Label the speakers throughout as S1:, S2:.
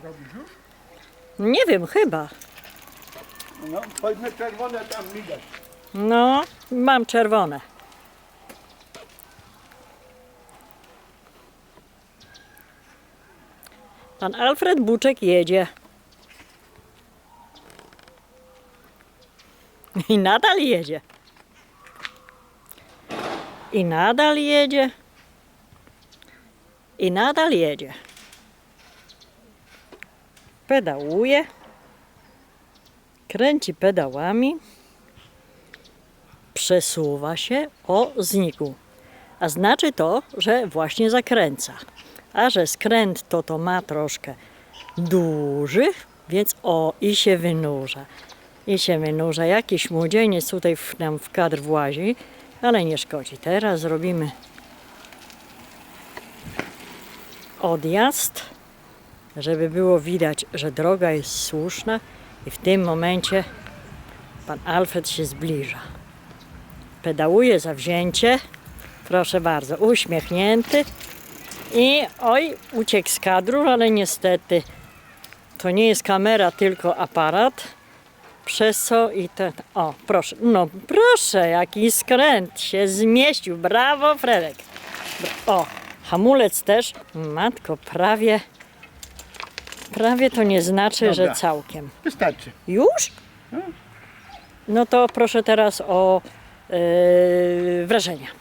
S1: Robisz już?
S2: Nie wiem, chyba.
S1: No, powiedzmy czerwone tam widać.
S2: No, mam czerwone. Pan Alfred Buczek jedzie. I nadal jedzie. I nadal jedzie. I nadal jedzie. Pedałuje. Kręci pedałami. Przesuwa się. O, znikł. A znaczy to, że właśnie zakręca. A że skręt to ma troszkę duży, więc o, i się wynurza. I się wynurza. Jakiś młodzieniec tutaj nam w kadr włazi, ale nie szkodzi. Teraz zrobimy odjazd, żeby było widać, że droga jest słuszna i w tym momencie pan Alfred się zbliża. Pedałuje zawzięcie, proszę bardzo, uśmiechnięty i oj, uciekł z kadru, ale niestety to nie jest kamera, tylko aparat, przez co i ten, o proszę, no proszę, jaki skręt się zmieścił, brawo Fredek. O, hamulec też, matko, prawie to nie znaczy,
S1: Dobra.
S2: że całkiem.
S1: Wystarczy.
S2: Już? No to proszę teraz o wrażenia.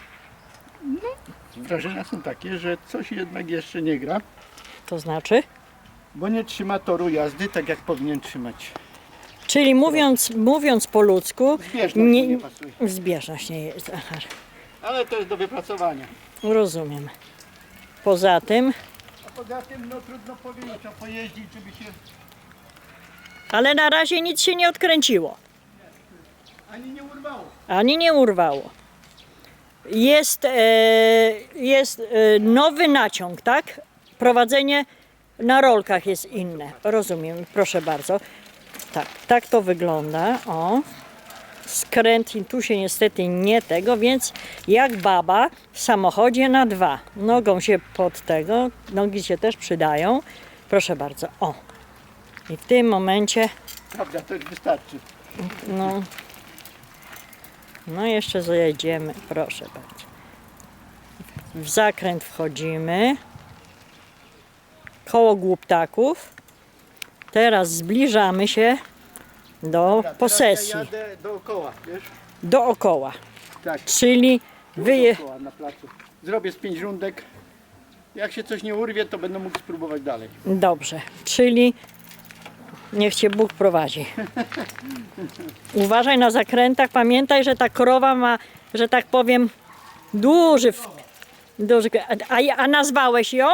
S1: Wrażenia są takie, że coś jednak jeszcze nie gra,
S2: To znaczy?
S1: bo nie trzyma toru jazdy tak jak powinien trzymać.
S2: Czyli mówiąc po ludzku,
S1: Zbieżność mu nie pasuje.
S2: zbieżność nie jest. Aha,
S1: Ale to jest do wypracowania.
S2: rozumiem. Poza tym,
S1: A poza tym no trudno powiedzieć, trzeba pojeździć, żeby się
S2: ale na razie nic się nie odkręciło,
S1: ani nie urwało.
S2: ani nie urwało. Jest nowy naciąg, tak? Prowadzenie na rolkach jest inne. Rozumiem, proszę bardzo. Tak to wygląda. O. Skręt i tu się niestety nie tego, więc jak baba w samochodzie na 2. Nogą się pod tego, nogi się też przydają. Proszę bardzo, o. I w tym momencie,
S1: Prawda, to już wystarczy.
S2: no jeszcze zajedziemy, proszę bardzo. W zakręt wchodzimy. Koło Głuptaków. Teraz zbliżamy się do
S1: Dobra,
S2: posesji,
S1: teraz ja jadę dookoła, wiesz?
S2: dookoła.
S1: Tak,
S2: Czyli
S1: dookoła na placu. Zrobię z 5 rundek. Jak się coś nie urwie, to będę mógł spróbować dalej.
S2: Dobrze, czyli niech Cię Bóg prowadzi. Uważaj na zakrętach, pamiętaj, że ta krowa ma, że tak powiem, duży... A nazwałeś ją?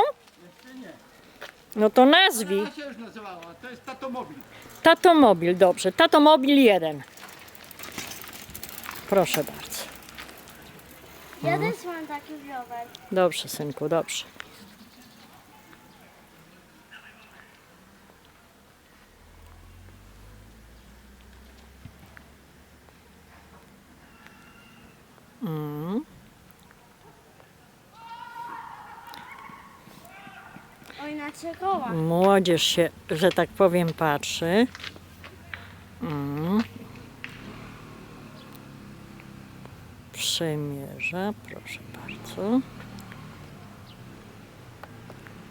S2: No to nazwij.
S1: Ta się już nazywała, to jest Tatomobil.
S2: Tatomobil, dobrze. Tatomobil 1. Proszę bardzo.
S3: Ja też mam taki rower.
S2: Dobrze, synku, dobrze.
S3: Oj, na 3 koła.
S2: Młodzież się, że tak powiem, patrzy. Przemierza, proszę bardzo.